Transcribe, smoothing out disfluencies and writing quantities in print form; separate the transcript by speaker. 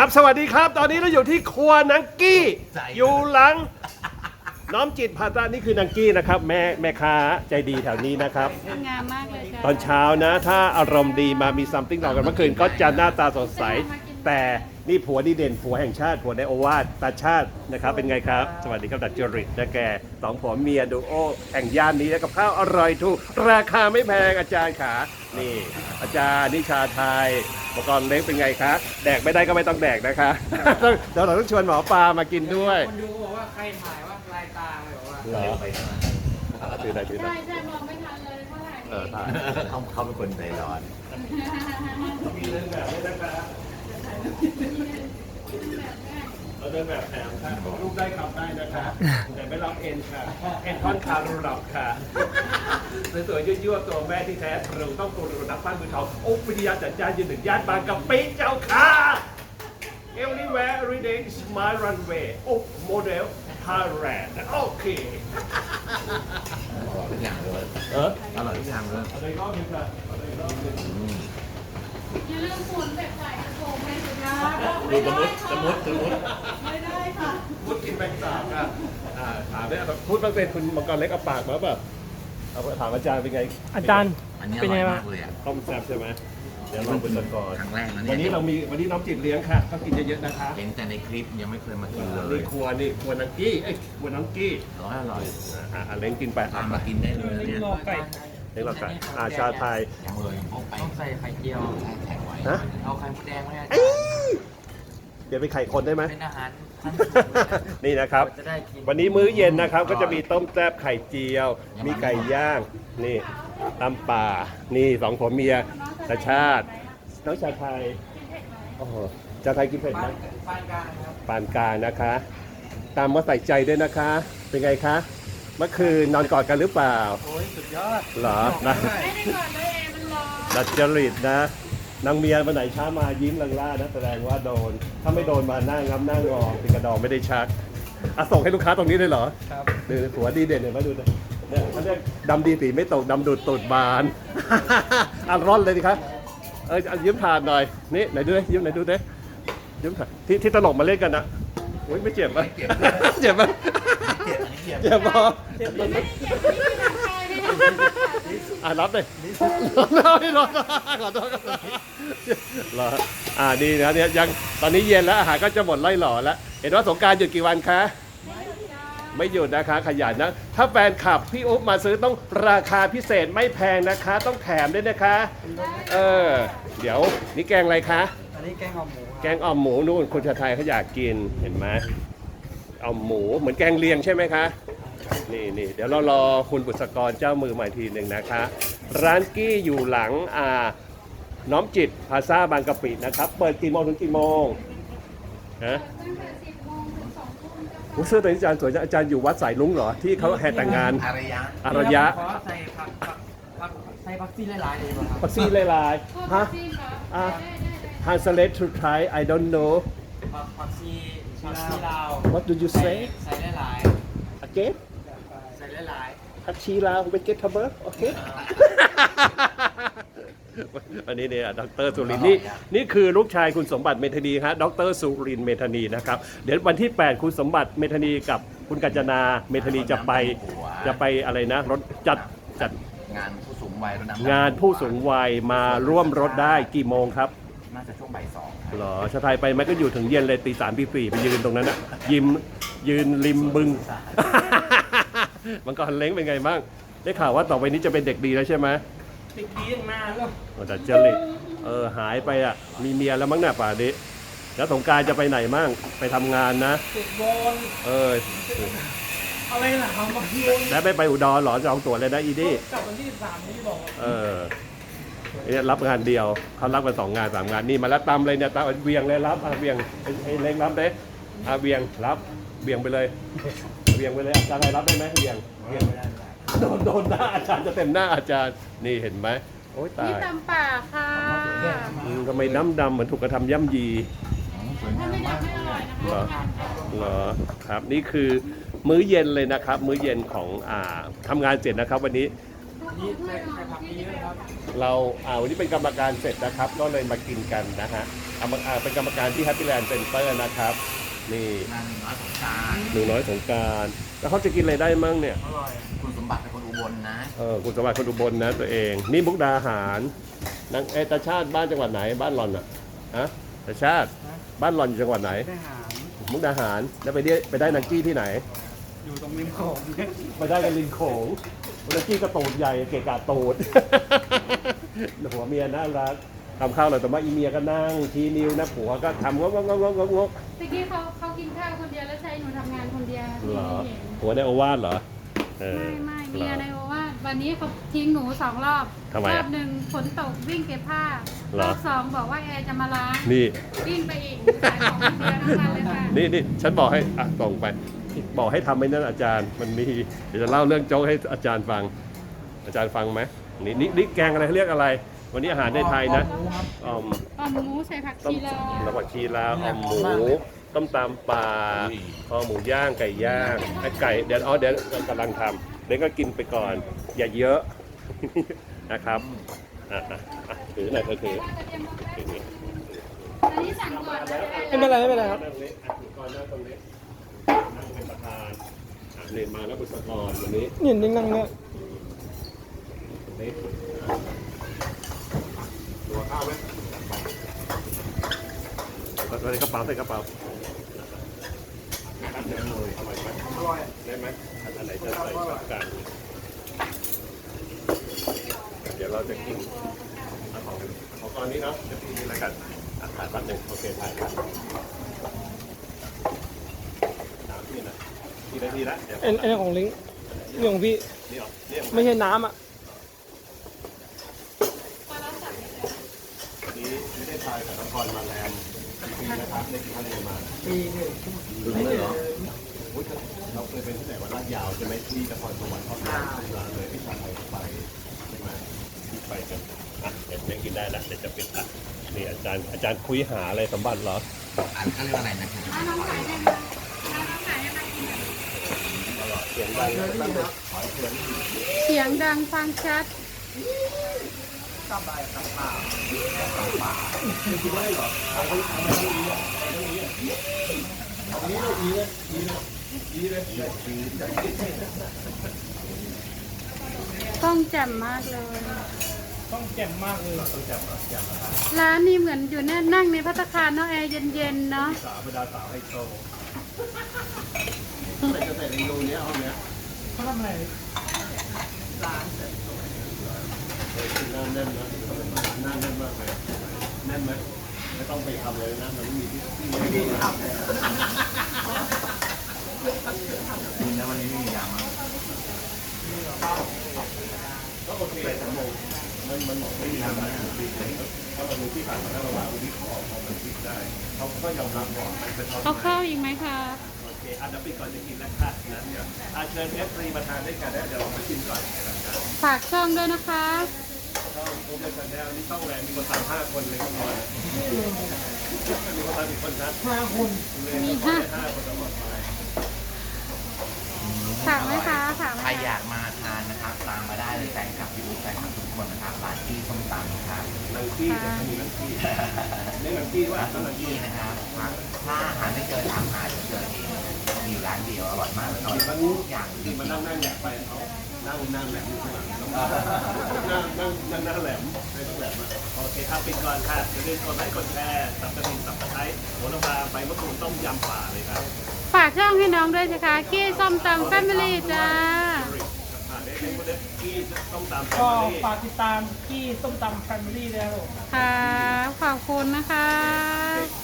Speaker 1: ครับสวัสดีครับตอนนี้เราอยู่ที่ครัวนังกี้อยู่หลังน้อมจิตพาตานี่คือนังกี้นะครับแม่ค้าใจดีแถวนี้นะครับ
Speaker 2: งามมากเลยค่ะ
Speaker 1: ตอนเช้านะถ้าอารมณ์ดีมามีซัมติ้งต่อกันเมื่อคืนก็จะหน้าตาสดใสแต่นี่ผัวดีเด่นผัวแห่งชาติผัวในโอวาทตาชาตินะครับเป็นไงครับสวัสดีครับดัดจริตนะแกสองผัวเมียดูโอแห่งย่านนี้กับข้าวอร่อยถูกราคาไม่แพงอาจารย์ขานี่อาจารย์นิชาไทยอุปกรณ์เล็กเป็นไงคะแดกไม่ได้ก็ไม่ต้องแดกนะคะเดี๋ยวเราต้องชวนหมอปลามากินด้วย
Speaker 3: คนดูบอกว่าใครถ่ายว่าลายตาเลยบอกว่า
Speaker 1: เหรอถือได้
Speaker 2: ใช่มองไม่ทันเลยเท่าไหร่
Speaker 1: ถ่าย
Speaker 4: เขาเป็นคนใจร้อน
Speaker 1: มีเรื่องแบบนี้นะคะเราเดินแบบแถมค่ะลูกได้ขับได้นะคะแต่ไม่รับเอ็นค่ะเอ็นท่อนคารูรับค่ะสวยๆยั่วๆตัวแม่ที่แท้เราต้องกรุณนักปั้นมือทองโอ้วิทยาจัดจ้านยืนหนึ่งย่านบางกะปิเจ้าค่ะ Everywhere every day is my runway โอ้โมเดล Thailand โอเค
Speaker 4: อร่อยทุกอย่างเลยอร่อยทุกอย่างเลย
Speaker 1: อะไรก็มีค่ะอะไรก็มี
Speaker 2: อย่าลืมหมุนแบบใส่กระโปรงให้สุดนะ
Speaker 1: ดูสมุด
Speaker 2: ไม่ได้ค่ะ
Speaker 1: มุดกินแบงสามค่ะถามได้พูดมาเป็นคุณมังกรเล็กเอาปากมาแบบเอาถามอาจารย์เป็นไง
Speaker 3: อาจารย์
Speaker 4: อันนี้อ
Speaker 3: เป็น
Speaker 4: ร่อ
Speaker 3: ไง
Speaker 4: ย
Speaker 3: บ้าง
Speaker 4: มากเลยอ่ะ
Speaker 1: ต้มแซ่บใช่ไหมเดี๋ยวลองเป็นก่อน
Speaker 4: ครั้งแรกนะเนี่ย
Speaker 1: วันนี้น้องจิตเลี้ยงค่ะก็กินเยอะๆนะคะ
Speaker 4: เห็นแต่ในคลิปยังไม่เคยมากินเล
Speaker 1: นี่
Speaker 4: ย
Speaker 1: ครัวนังกี้ครัวนังกี้
Speaker 4: อร่อย
Speaker 1: เล้งกินไป
Speaker 4: ทำมากินได้เลยนะเนี่ย
Speaker 3: งอไก่
Speaker 1: เล้งเราไก่ชาไทย
Speaker 4: ยังเลยพกไป
Speaker 3: ต้องใส่ไข่เจียว
Speaker 4: แข็งไว้
Speaker 1: ฮะ
Speaker 3: เอาไข่มดแดงไหมอาจาร
Speaker 1: เอ้
Speaker 3: ย์
Speaker 1: ยเดี๋ยวไปไข่คนได้ไหม
Speaker 3: เป็นอาหารท่าน
Speaker 1: นี่นะครับ
Speaker 3: จะได้กิน
Speaker 1: วันนี้มื้อเย็นนะครับก็จะมีต้มแซ่บไข่เจียว มีไก่ย่างนี่ตำป่านี่สองผัวเมียตาชาติน้องชาไทยโอ้โหชาไทยกินเผ็ดไหม
Speaker 3: ปานกลางครับ
Speaker 1: ปานกลางนะคะตามว่าใส่ใจด้วยนะคะ เป็นไงคะเมื่อคืนนอนกอดกันหรือเปล่า
Speaker 3: โอ้ยสุดยอด
Speaker 1: เหรอนะ
Speaker 2: ไม่ได้ก่อนเลยแอร์มันร้อน
Speaker 1: ดัดจริตนะนางเมียวันไหนช้ามายิ้มลังล่านะแสดงว่าโดน ถ้าไม่โดนมาหน้างับหน้างอติดกระดองไม่ได้ชักส่งให้ลูกค้าตรงนี้เลยเหรอ
Speaker 3: ครับ
Speaker 1: ดูหัวดีเด่นเห็นไหมดูเนี่ยเขาเรียกดำดีสีไม่ตกดำดูดตูดบาน ร่อนเลยดิครับยิ้มผ่านหน่อยนี่ไหนดูดิยิ้มไหนดูดิยิ้มผ่านที่ตลกมาเล่นกันนะโอ้ยไม่เจ็บไหมเจ็บไหมเจ็บพอรับเลยรับขอโทษเหรอดีนะเนี่ยยังตอนนี้เย็นแล้วอาหารก็จะหมดไล่หล่อแล้วเห็นว่าสงกรานต์หยุดกี่วันคะไม่หยุดนะคะขยันนะถ้าแฟนคลับพี่อุ๊บมาซื้อต้องราคาพิเศษไม่แพงนะคะต้องแถมด้วยนะคะเดี๋ยวนี่แกงอะไรคะ
Speaker 3: อันนี้แกงอ่อมหมู
Speaker 1: แกงอ่อมหมูนู่นคนชาไทยเขาอยากกินเห็นไหมอ่อมหมูเหมือนแกงเลียงใช่ไหมคะนี่เดี๋ยวเรารอคุณบุษกรเจ้ามือใหม่ทีหนึ่งนะคะ ร้านกี้อยู่หลังน้อมจิตพาซาบางกะปินะครับเปิดกี่โมงถึงกี่โมงฮะ
Speaker 2: ตั้งแต่10 โมงถึง 2 ทุ่มเจ้า
Speaker 1: โอ้เสื้อตัวนี้อาจารย์สวยจังอาจารย์อยู่วัดสายลุงเหรอที่เขาแห่แต่งงาน
Speaker 4: อารยะ
Speaker 1: อารยะ
Speaker 3: ขอใส่ผักใส่ผักซีหลายๆเลยป่ะครับ
Speaker 1: ปักซี่ลาย
Speaker 2: พวก
Speaker 1: ฮะ
Speaker 2: ซีนเหรอได้
Speaker 1: translate to Thai I don't know
Speaker 3: ผักซีลาว
Speaker 1: what do you say
Speaker 3: ใส่หลาย
Speaker 1: again
Speaker 3: ๆใส่หลาย
Speaker 1: ผักชีลาวเป็นเกตเทเบิร์กโอเค วันนี้เนี่ยดรสุรินทร์นี่คือลูกชายคุณสมบัติเมธานีฮะดรสุรินทร์เมธานีนะครับเดี๋ยววันที่ 8 คุณสมบัติเมธานีกับคุณกัญจนาเมธานีจะไปอะไรนะรถจัด
Speaker 4: งานผู้สูงวัยรถน้ำ
Speaker 1: งานผู้สูงวัยมาร่วมรถได้กี่โมงครับ
Speaker 4: น่าจะช่วงบ่าย 2
Speaker 1: หรอชาไทยไปไหมก็อยู่ถึงเย็นเลยตี 3 ตี 4ไปยืนตรงนั้นนะยืนริมบึง มังกรเล้งเป็นไงบ้างได้ข่าวว่าต่อไปนี้จะเป็นเด็กดีแล้วใช่ไหม
Speaker 3: ๆติดดีตั้งนานแล้ว
Speaker 1: แต่เจริญหายไปมีเมียแล้วมั้งเนี่ยป่านี้แล้วสงกรานต์จะไปไหนมั่งไปทำงานนะ
Speaker 3: ติดบอลอะไรล่ะครับบอล
Speaker 1: แล้วไม่ไปอุดรหรอจองตั๋วเลยนะอีดี้
Speaker 3: กลับวันที่13นี้บอก
Speaker 1: เนี่ยรับงานเดียวเขารับกัน2 งาน 3 งานนี่มาแล้วตำเลยเนี่ยตำเวียงเลยรับเวียงไอ้เล้งรับเด้เวียงรับเวียงไปเลยเวียงไปเลยอาจารย์อะไรรับได้ไหมเวียงโดนหน้าอาจารย์จะเต็มหน้าอาจารย์นี่เห็นไหมโอ้ยตา
Speaker 2: นี่
Speaker 1: ย
Speaker 2: ตำป่าค่ะ
Speaker 1: ทำไมน้ำดำเหมือนถูกกระทำย่ำยี
Speaker 2: ถ้าไม่ดำไม่อร่อยนะคะ
Speaker 1: เหรอเหรอครับนี่คือมื้อเย็นเลยนะครับ มื้อเย็นของทำงานเสร็จนะครับวันนี้
Speaker 3: นี่ใส่ผักเยอะครับ
Speaker 1: เราวันนี้เป็นกรรมการเสร็จนะครับ ก็เลยมากินกันนะฮะเป็นกรรมการที่ Happy Land Center นะครับ นี่
Speaker 4: นางน้อยของกลาร
Speaker 1: หนูน้อยสงกรารแล้วเขาจะกินอะไรได้มั่งเนี่ย
Speaker 3: อร่อย
Speaker 4: คุณสมบัติเป็นคนอุบลนะ
Speaker 1: คุณสมบัติคนอุบลนะตัวเอง นี่มุกดาหารนางตาชาติบ้านจังหวัดไหน บ้านหล่อนอะฮะตาชาติบ้านหล่อนอยู่จังหวัดไหน
Speaker 3: ได้หาร
Speaker 1: มุกดาหารแล้วไปได้นังกี้ที่ไหน
Speaker 3: อยู่ตรงริมโขง
Speaker 1: ไปได้กันริมโขงนังกี้ก็ตูดใหญ่เกะกะตูด หัวเมียน่ารักทำข้าวเลยแต่ว่าอีเมียก็นั่งชี้นิ้วนะผัวก็ทำงก
Speaker 2: เมื่อกี้เขากินข้าวคนเดียวแล้วใช้หนูทำงานคนเดียว
Speaker 1: เหรอ
Speaker 2: ไม่เห็น
Speaker 1: ผัวได้โอวาทเหรอเออ
Speaker 2: ไม่
Speaker 1: เหร
Speaker 2: เมียในโอวาทวันนี้เขาทิ้งหนู2 รอบ
Speaker 1: ทำไม
Speaker 2: ร
Speaker 1: อะ
Speaker 2: อบหนึ่งฝนตกวิ่งเก็บผ้า
Speaker 1: เหรอ
Speaker 2: รอบ2บอกว่าแอร์จะมาล้าง
Speaker 1: นี่
Speaker 2: วิ่งไปอีกขายของคนเดียวทั้งนั้นเลยค่ะ
Speaker 1: นี่ฉันบอกให้ส่งไป บอกให้ทำไอ้นั่นอาจารย์มันมีเดี๋ยวจะเล่าเรื่องโจ๊กให้อาจารย์ฟัง อาจารย์ฟังไหมนี่แกงอะไรเขาเรียกอะไร วันนี้อาหารในไทยนะอ่อม
Speaker 2: อ่อมหมูใส่ผัก
Speaker 1: ต้ม
Speaker 2: ชีลาว
Speaker 1: น้ำผักชีลาวอ่อมหมูต้มตำปลาคอหมูย่างไก่ย่างไอ้ไก่เดี๋ยวกำลังทำเดี๋ยวก็กินไปก่อน อย่าเยอะ นะครับถือหน่อยถือ
Speaker 2: อันนี้สั่งก่อนนะ
Speaker 3: ไม่เป็นไรไม่เป็นไรครับ
Speaker 1: นั่งนี้ถือก่อนนั่งตรงนี้นั่งเป็นประธานเรียนมาแล้วบุษกรวันนี้
Speaker 3: นี่นั่งเนี่ย
Speaker 1: นี่ตัวข้าวไหมใส่กระเป๋านะครับเดี๋ยวเลยอร่อยไหม
Speaker 3: อร่อย
Speaker 1: ได้ไหมอันไหนจะใส่กับกันเดี๋ยวเราจะกินของตอนนี้เนาะจะกินอะไรกันถ่ายแป๊บหนึงโอเคถ่ายครับ3 ที่นะกี่นาทีละเดี๋ยว
Speaker 3: ไอ้ของลิงนี่ของพี่
Speaker 1: นี่หรอนี่
Speaker 3: ไม่ใช่น้ำอ่ะ
Speaker 1: วันนี้ไม่ได้ทายกับนครมาแรมปีนะครับในทะเลมา
Speaker 3: ปีหนึ่ง
Speaker 4: ถึงเลยเหรอ
Speaker 1: เราเคยเป็นที่ไหนวันลาดยาวใช่ไหมที่นครสวรรค์เขาทำร้านเลยที่ชาไทยไปใช่ไหมที่ไปกันเดี๋ยวยังกินได้ละเดี๋ยวจะปิดละนี่อาจารย์คุยหาอะไรสมบัติเหรอ
Speaker 4: อันเขาเรียกว่าอะไรนะครับ
Speaker 2: น้องขายได้ไหมน้องขายได้ไหมกินแบบ
Speaker 1: เสียงดังตั้งแต่ขอเสียง
Speaker 2: เสียงดังฟังชัด
Speaker 3: กลับไปกลับป่า
Speaker 1: กินได้เหรอเอาไปเอาไปดีเลย
Speaker 2: ต้องแจ่มมากเลย
Speaker 3: ต้องแจ่มมากเลย
Speaker 2: ร้านนี้เหมือนอยู่นั่งในภัตตาคารเนาะแอร์เย็นๆเนาะ
Speaker 1: สาวบรรดาสาวไฮโซใส่จะใส่ในรูเนี้ยห้องเนี้ย
Speaker 3: เขาทำอะไร
Speaker 1: หน้าแน่นนะหน้าแน่นมากเลยแน่นไหมไม่ต้องไปทำเลยนะมันไม่มีที่ไม่มีทำ
Speaker 4: นี่นะวันนี้ไม่มียามา
Speaker 1: ก็โอเคแต่มันบอกไม่มีทำนะเพราะเราดูที่ผ่านมาแล้วเราว่าวิเคราะห์พอมันคิดได้เขาก็ยอมรับก่อนมันเป็น
Speaker 2: เอาข้าวอีกไหมคะ
Speaker 1: โอเคอันดับก่อนจะกินแล้วค่ะนะเดี๋ยวเชิญF3มาทานด้วยกันนะเดี๋ยวเรามากินก่อนนะครับ
Speaker 2: ฝากช่องด้วยนะคะ
Speaker 1: ช่องโปรเจกต์แนลนี่ช่องแรงมีคนตาม5 คนเลยทุกคนมีคนตามอีกคนครับ
Speaker 3: 5 คน
Speaker 2: มี
Speaker 1: ห้า
Speaker 2: ห้า
Speaker 1: คนตลอดไป
Speaker 2: ฝากไหมคะฝากไหม
Speaker 4: ใคร
Speaker 2: คะ
Speaker 4: อยากมาทานนะครับ ตามมาได้เลยแฟนคลับพี่อุ๊บแฟนคลับทุกคนนะครับร้านที่ส้มตำนะครับ
Speaker 1: นังกี้จะมีนังกี้นี่นังกี้ว่า
Speaker 4: ร้าน
Speaker 1: ต้อง
Speaker 4: ทุ
Speaker 1: นั
Speaker 4: ก
Speaker 1: ง
Speaker 4: ที่
Speaker 1: กี้
Speaker 4: นะครับถ้าอาหารไม่เจอถามหาจะเจอเองมีอยู่ร้านเดียวอร่อยมากเลยอร่อยทุกอย่างจริ
Speaker 1: ที่
Speaker 4: ง
Speaker 1: มานั่งแหลมไปเขานั่งแหลมอยู่ข้างหลังนั่งแหลมไม่ต้องแหลมโอเคครับปิดก่อนค่ะอย่าลืมกดไลค์กดแชร์สับกระดิ่งสับกระไคร้หัวละพาใบมะกรูดต้มยำป่าเลยครับ
Speaker 2: ฝากช่องให้น้องด้วยนะคะกี้ส้มตำแฟมิลี่จ้า
Speaker 1: เด็กๆคนเด็กที่ต้องตาม
Speaker 3: ก็ฝากติดตามที่ส้มตำแฟมิลี่ด้วยครับผม
Speaker 2: ค่ะขอบคุณนะคะ